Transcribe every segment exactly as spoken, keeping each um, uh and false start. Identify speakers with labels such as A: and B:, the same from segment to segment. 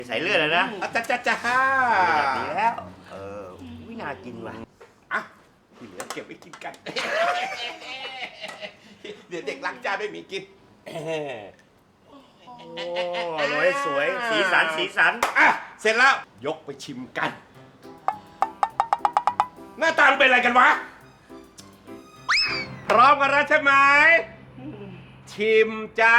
A: ใส่เลือดเลยนะ
B: จ้าจ้าจ้า
A: ดีแล้วเออวิน่ากินว่ะ
B: อ่ะที่เหลือเก็บไว้กินกัน เดี๋ยวเด็กล้างจานไม่มีกิน
A: โอ้โรยสวยสีสันสีสัน
B: อ่ะเสร็จแล้วยกไปชิมกัน หน้าตาเป็นอะไรกันวะ พร้อมกันแล้วใช่ไหมชิมจ้า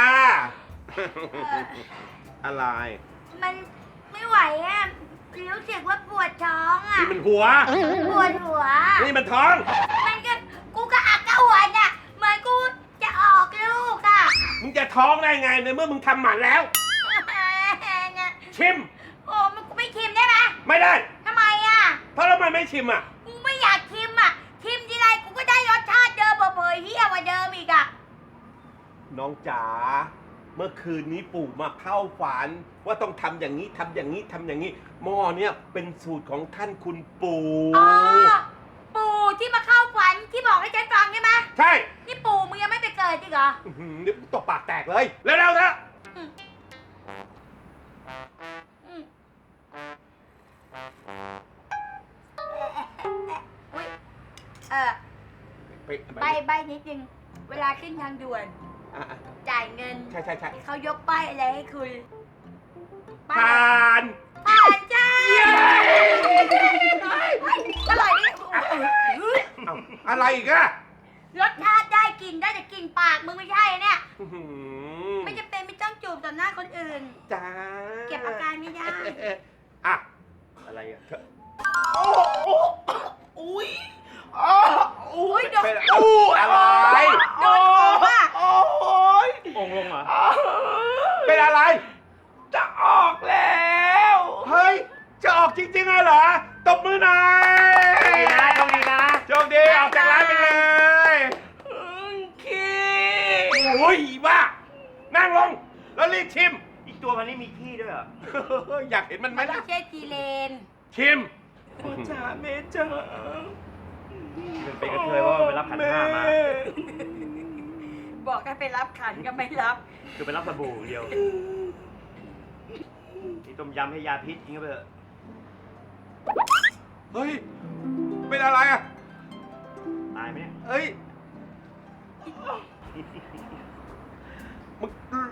B: อะไร
C: มันไม่ไหวอ่ะรู้สึกว่าปวดท้องอ่ะ
B: นี่มันหัว
C: ปวดหัว
B: นี่มันท้อง
C: มันก็กูก็อักกระหัวน่ะเหมือนกูจะออกลูกอ่ะ
B: มึงจะท้องได้ไงในเมื่อมึงทำหมันแล้ว ชิม
C: โอ้มันกูไม่ชิมได้ไหม
B: ไม่ได้
C: ทำไมอ่ะ
B: เพราะทำไมไม่ชิมอ่ะ
C: กูไม่อยากชิมอ่ะชิมทีไรกูก็ได้รสชาติเดิมเผยๆเฮี้ยกว่าเดิมอีกอ่ะ
B: น้องจ๋า เมื่อคืนนี้ปู่มาเข้าฝัน ว่าต้องทำอย่างนี้ทำอย่างนี้ทำอย่างนี้หม้อเนี่ยเป็นสูตรของท่านคุณปู่
C: อ๋อปู่ที่มาเข้าฝันที่บอกให้ฉันฟังใช่ไหม
B: ใช่
C: นี่ปู่มึงยังไม่ไปเกิดจริงเหรอ
B: อื้อหือเดี๋ยวตบปากแตกเลยเร็วๆนะ
C: อืมอืมอุ๊ยเออ
B: ไป
C: ใบใบนิดนึง เวลาขึ้นทางด่วน
B: อ่ะอ่ะ
C: จ่ายเงิน
B: ใช่ใช่ใช่
C: เขายกป้ายอะไรให้คุณป้า
B: ผ่าย น
C: ผ่านจ้า
B: เย้
C: อร่อยดิ
B: เอ้าอะไรอีกอะ
C: รสชาติได้กลินได้แต่กลินปากมึงไม่ใช่เนี่ย
B: อื้อหือ
C: ไม่จะเป็นไม่ต้องจูบต่อหน้าคนอื่น
B: จ้า
C: เก็บอาการไม่ได้
B: อ่ะ
A: อะไรอ่ะ
B: โอ้โอ้อุ้ยอ๋อ
C: อุ้ยโดน
B: เป็นอู้อะไร
C: โดนของอ่ะ
B: โอ้ย
A: องลงเหรอ
B: เป็นอะไร จะออกแล้ว เฮ้ย จะออกจริงๆเหรอ ตบมือหน่อย
A: ดีนะโชคดีนะ
B: โชคดี ออกจากร้านไปเลยขี้โอ้ยบ้า นั่งลง แล้วรีบชิม
A: อีกตัวมันนี่มีขี้ด้วยเหรอ
B: อยากเห็นมันไหม
C: มัน
B: ล่ะ
C: ไม่ใช่จีเลน
B: ชิม
D: พ่อจ๋าแม่จ๋า
A: มันเป็นกระเทยว่ามันไปรับขันห้ามา
C: บอกให้ไปรับขันก็ไม่รับ
A: คือไปรับสบู่อย่างเดียวนี่ต้มยำให้ยาพิษจริงก็ไปเถอะ
B: เฮ้ย เป็นอะไรอ่ะ
A: ตายไหมเนี่ย
B: เฮ้ย มึง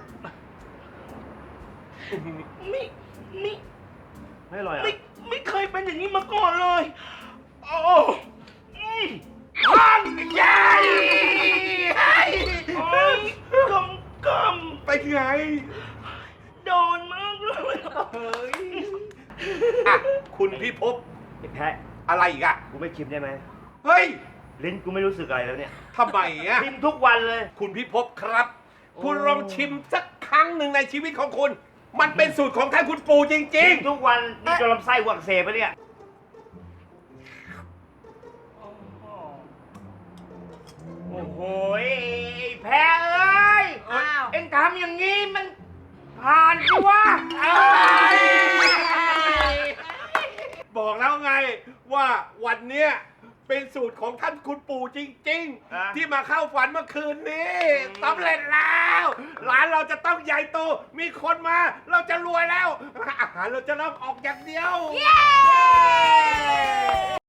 D: ไม่ไม่
A: ไม่อร่อยเหร
D: ไม่
A: อ่ะ
D: ไม่เคยเป็นอย่างนี้มาก่อนเลย โอ้อืม
B: พันใหญ่
D: โอ้ยกำก
B: ไปไง
D: ำโดนมากเลย
B: เฮ้ย อ่ะ คุณพี่ภพ
A: ไอ้แพะ
B: อะไรอีกอ่ะ
A: กูไม่ชิมได้ไหม
B: เฮ้ย
A: ลิ้นกูไม่รู้สึกอะไรแล้วเนี่ย
B: ทำไมอ่ะ
A: ชิมทุกวันเลย
B: คุณพี่ภพครับ
A: โอ้
B: คุณลองชิมสักครั้งหนึ่งในชีวิตของคุณ มันเป็นสูตรของท่านคุณปู่จริ
A: ชิ
B: ง
A: มทุกวันนี่จนลำไส้หวักเสบไปะเนี่ย โอ้โหไอ้แพะเอ้ย
C: อ้าว
A: เอ็งทำอย่างนี้มันผ่านสิวะ
B: ๆ บอกแล้วไงว่าวันเนี้ยเป็นสูตรของท่านคุณปู่จริง
A: อ่ะ
B: ๆ ที่มาเข้าฝันเมื่อคืนนี้สำเร็จแล้ว ร้านเราจะต้องใหญ่โต มีคนมา เราจะรวยแล้ว อาหารเราจะเริ่มออกอย่างเดียว
C: เย้